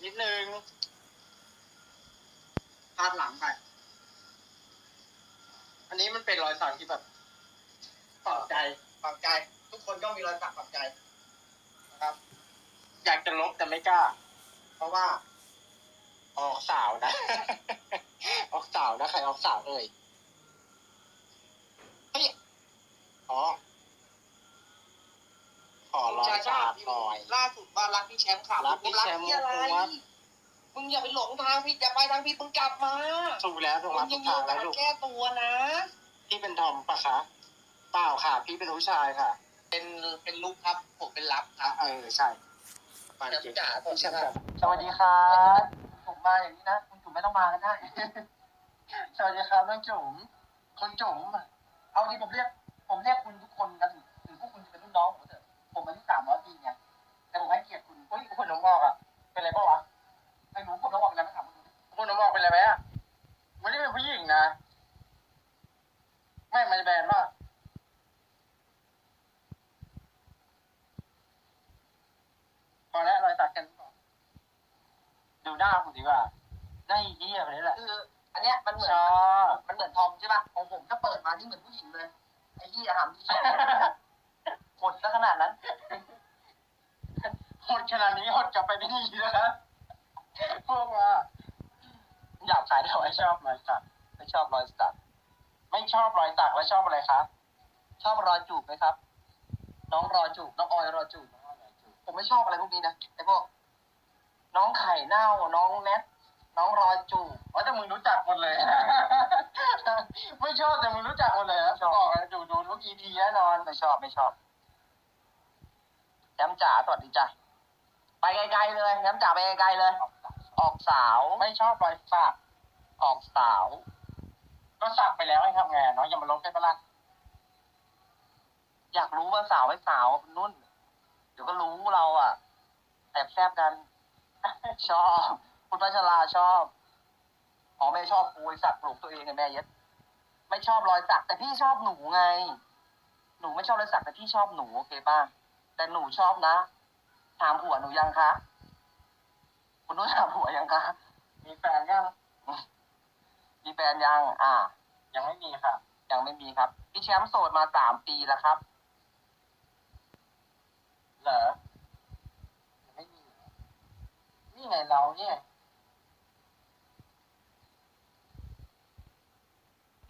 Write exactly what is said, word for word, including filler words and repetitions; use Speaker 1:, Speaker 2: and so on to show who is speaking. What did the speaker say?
Speaker 1: นิดนึงพาดหลังไปอันนี้มันเป็นรอยสักที่แบบฝังใจฝังใจทุกคนก็มีรอยสักฝังใจนะครับ อยากจะลบแต่ไม่กล้าเพราะว่าออกสาวนะ ออกสาวนะใครออกสาวเลยเฮ้ยอ๋อขอรอยสักหน่อยล่าสุดว่ารักพี่แชมป์ค่ะรักพี่แชมป์อะไรมึงอย่าไปหลงทางพี่อย่าไปทางพี่มึงกลับมาถูกแล้วถูกแล้วถูกทางแล้วลูกแก้ตัวนะพี่เป็นทอมปะคะเปล่าค่ะพี่เป็นผู้ชายค่ะเป็นเป็นลูกครับผมเป็นรับครับเออใช่ปานเจ๋าพี่แชมป์สวัสดีครับผมมาอย่างนี้นะคุณจุ๋มไม่ต้องมาก็ได้ สวัสดีครับน้องจุ๋มคุณจุ๋มเอาที่ผมเรียกผมเรียกคุณทุกคนนะถึงถึงพวกคุณจะเป็นรุ่นน้องผมเถอะผมอายุสามร้อยปีไงแต่ผมให้เกียรติคุณเฮ้ยคุณน้องบอกอ่ะเป็นไรบ้างวะไอ้หนูคุณน้องบอกเป็นอะไรไม่ถามคุณคุณน้องบอกเป็นอะไรไหมอ่ะมันไม่เป็นผู้หญิงนะไม่มันจะแบนป่ะพอแล้วรอยสักกันก่อนดูหน้าคุณดีกว่าได้เยี่ยมเลยแหละคืออันเนี้ยมันเหมือนมันเหมือนทอมใช่ป่ะของผมถ้าเปิดมาที่เหมือนผู้หญิงเลยไอ้ที่อาหารที่หดซะขนาดนั้นหดขนาดนี้หดกลับไปไม่ดีนะพวกว่าอยากขายแต่ไม่ชอบรอยสักไม่ชอบรอยสักไม่ชอบรอยสักแล้วชอบอะไรครับชอบรอยจูบไหมครับน้องรอยจูบน้องออยรอยจูบผมไม่ชอบอะไรพวกนี้นะไอ้พวกน้องไข่เน่าน้องแนทน้องรอยจูบอ๋อแต่มึงรู้จักหมดเลย ไม่ชอบแต่มึงรู้จักหมดเลยนะบอกเลยดูดูทุก อี พี แน่นอนไม่ชอบไม่ชอบแชมป์จ๋าสวัสดีจ้ะไปไกลๆเลยแชมป์จ๋าไปไกลๆเลยออกสาวไม่ชอบรอยสักออกสาวก็สักไปแล้วให้ทำไงน้องอย่ามาลบได้ปะล่ะอยากรู้ว่าสาวไม่สาวนุ่นเดี๋ยวก็รู้เราอ่ะแอบแซบกัน ชอบคุณพัชราชอบอ๋อไม่ชอบกูไอสัตว์ปลุกตัวเองไงแม่เย็ดไม่ชอบรอยสักแต่พี่ชอบหนูไงหนูไม่ชอบรอยสักแต่พี่ชอบหนูโอเคป่ะแต่หนูชอบนะถามผัวหนูยังคะคุณนุ่นถามผัวยังคะมีแฟนยังมีแฟนยังอ่ายังไม่มีค่ะยังไม่มีครับพี่แชมป์โสดมาสามปีแล้วครับเหรอไม่มีนี่ไงเราเนี่ย